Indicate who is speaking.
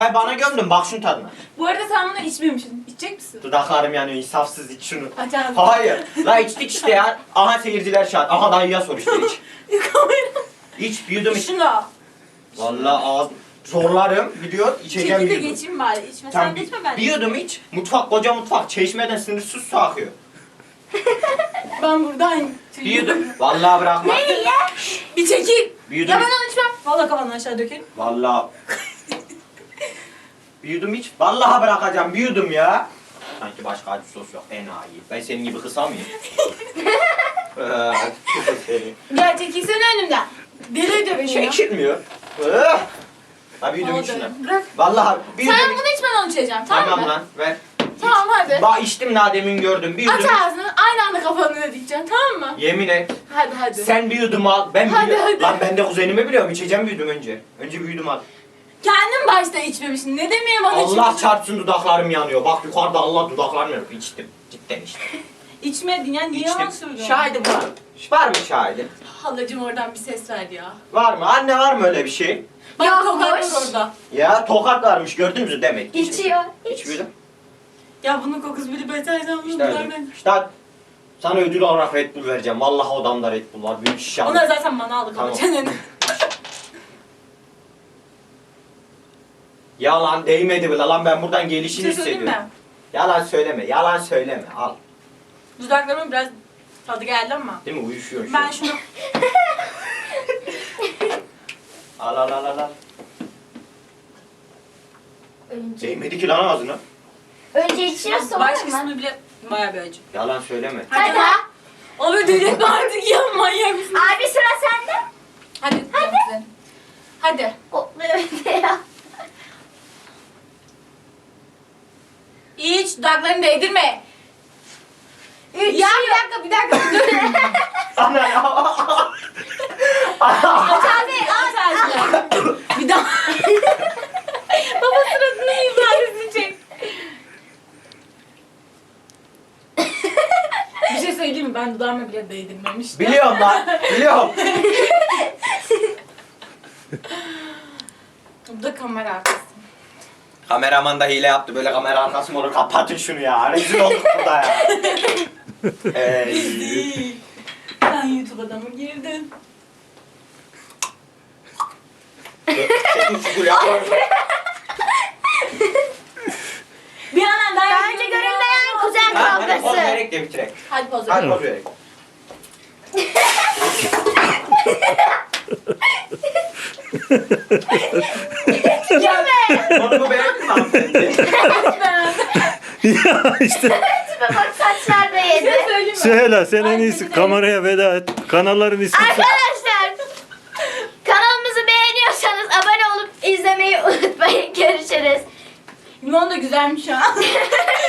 Speaker 1: Hay bana gömdün bak şunun tadına.
Speaker 2: Bu arada sen bunu içmemişsin. İçecek misin?
Speaker 1: Dudaklarım yanıyor insafsız iç şunu.
Speaker 2: Aç ağzını.
Speaker 1: Hayır. La içtik işte ya. Aha seyirciler şahit. Aha dayıya sor işte iç.
Speaker 2: Yıkamayın.
Speaker 1: İç bir yudum iç.
Speaker 2: Şunu da.
Speaker 1: Vallahi ağız zorlarım. Biliyor içeceğim
Speaker 2: Çekil
Speaker 1: bir
Speaker 2: de
Speaker 1: yudum.
Speaker 2: geçeyim bari. İçme
Speaker 1: Tamam,
Speaker 2: sen de içme ben de.
Speaker 1: bir yudum iç. Mutfak koca mutfak. Çeşmeden sınırsız su akıyor.
Speaker 2: Ben buradan.
Speaker 1: Bir yudum. Vallahi bırakma.
Speaker 2: Bir çekil.
Speaker 1: Bir yudum
Speaker 2: Ya ben
Speaker 1: iç.
Speaker 2: onu içmem. Valla kafanı aşağı dökelim.
Speaker 1: Vallahi. Bir yudum iç. Vallahi bırakacağım bir yudum ya. Sanki başka acı sos yok. Enayi. Ben senin gibi kısa mıyım? Seni.
Speaker 2: Gel çekilsene önümden. Deli de beni ya.
Speaker 1: Çekilmiyor. Ha bir yudum iç
Speaker 2: Oldu.
Speaker 1: şuna.
Speaker 2: Bırak.
Speaker 1: Vallahi bir
Speaker 2: Sen
Speaker 1: yudum iç.
Speaker 2: bunu içmeden onu içeceğim tamam
Speaker 1: Tamam
Speaker 2: mı?
Speaker 1: lan ver.
Speaker 2: Tamam hadi.
Speaker 1: Bak içtim daha demin gördüm. Bir
Speaker 2: Aç
Speaker 1: yudum iç.
Speaker 2: ağzını aynı anda kafanı da dikeceksin tamam mı?
Speaker 1: Yemin et.
Speaker 2: Hadi hadi.
Speaker 1: Sen bir yudum al. Ben
Speaker 2: Hadi,
Speaker 1: biliyorum.
Speaker 2: hadi.
Speaker 1: Lan ben de kuzenimi biliyorum. İçeceğim bir yudum önce. Önce bir yudum al.
Speaker 2: Kendin başta içmemişsin. Ne demeye bana
Speaker 1: Allah
Speaker 2: içmemişsin?
Speaker 1: çarpsın dudaklarım yanıyor. Bak yukarıda Allah dudaklarım yanıyor. İçtim. Cidden içtim.
Speaker 2: İçmedin ya niye yalan
Speaker 1: İçtim.
Speaker 2: söylüyorsun?
Speaker 1: Şahidim var. Var mı şahidin?
Speaker 2: Halacığım oradan bir ses verdi ya.
Speaker 1: Var mı? Anne var mı öyle bir şey?
Speaker 2: Bak
Speaker 3: Yokmuş.
Speaker 2: tokat var orada.
Speaker 1: Ya tokat varmış gördünüz mü demek.
Speaker 3: İçiyor.
Speaker 1: İç bir yudum.
Speaker 2: Ya bunun kokusu bile beterden bunu
Speaker 1: İşte öyle. İşte sana ödül olarak Red Bull vereceğim. Vallahi odamda Red Bull var. Büyük şişe
Speaker 2: Onlar
Speaker 1: aldım.
Speaker 2: zaten bana aldık
Speaker 1: Tamam.
Speaker 2: ama çeneni.
Speaker 1: Yalan değmedi bile lan ben buradan
Speaker 2: Bir
Speaker 1: gelişini
Speaker 2: şey söyleyeyim
Speaker 1: hissediyorum.
Speaker 2: mi?
Speaker 1: Yalan söyleme. Yalan söyleme. Al.
Speaker 2: Dudaklarımın biraz tadı geldi ama.
Speaker 1: Değil mi? Uyuşuyorsun şu
Speaker 2: Ben
Speaker 1: an.
Speaker 2: şunu...
Speaker 1: Al al al al. al.
Speaker 3: Önce,
Speaker 1: Değmedi ki lan ağzına.
Speaker 3: önce içiyor sonra
Speaker 2: Baş
Speaker 3: mı?
Speaker 2: kısmı bile bayağı bir acı.
Speaker 1: Yalan söyleme.
Speaker 3: Hadi.
Speaker 2: Abi delirme artık ya manyak mısın?
Speaker 3: Abi sıra sende.
Speaker 2: Hadi. Hadi. Hadi.
Speaker 3: O, evet ya.
Speaker 2: İç dudaklarını değdirme. Ya bir dakika dur.
Speaker 1: Ana ya.
Speaker 2: Aç ağzını aç ağzını. Bir daha. Baba suratının ifadesini çek. Bir şey söyleyeyim mi? Ben dudağıma bile değdirmemiştim.
Speaker 1: Biliyorum lan. Biliyorum.
Speaker 2: Bu da kamera arkası.
Speaker 1: Kameraman da hile yaptı. Böyle kamera arkası mı olur? Kapatın şunu ya. Rezil olduk burada ya.
Speaker 2: Değil. Sen YouTube'a da mı girdin?
Speaker 1: Çekin şu gül ya.
Speaker 2: Bir yandan daha
Speaker 3: Daha önce görünmeyen kuzen
Speaker 1: Ha, hadi poz
Speaker 3: kavgası.
Speaker 1: vererek de bitirek.
Speaker 2: Hadi poz
Speaker 1: Hadi
Speaker 2: ver.
Speaker 1: poz vererek. Onu mu beğendin mi hanımefendi?
Speaker 4: Ya işte
Speaker 3: Tipe bak saçlar da
Speaker 2: Bir
Speaker 3: yedi.
Speaker 2: şey söyleyeyim mi?
Speaker 4: Süheyla sen en
Speaker 2: Ay,
Speaker 4: iyisi
Speaker 2: seni de-
Speaker 4: kameraya veda et. Kanalların ismi
Speaker 3: Arkadaşlar kanalımızı beğeniyorsanız abone olup izlemeyi unutmayın. Görüşürüz.
Speaker 2: Limon da güzelmiş ha.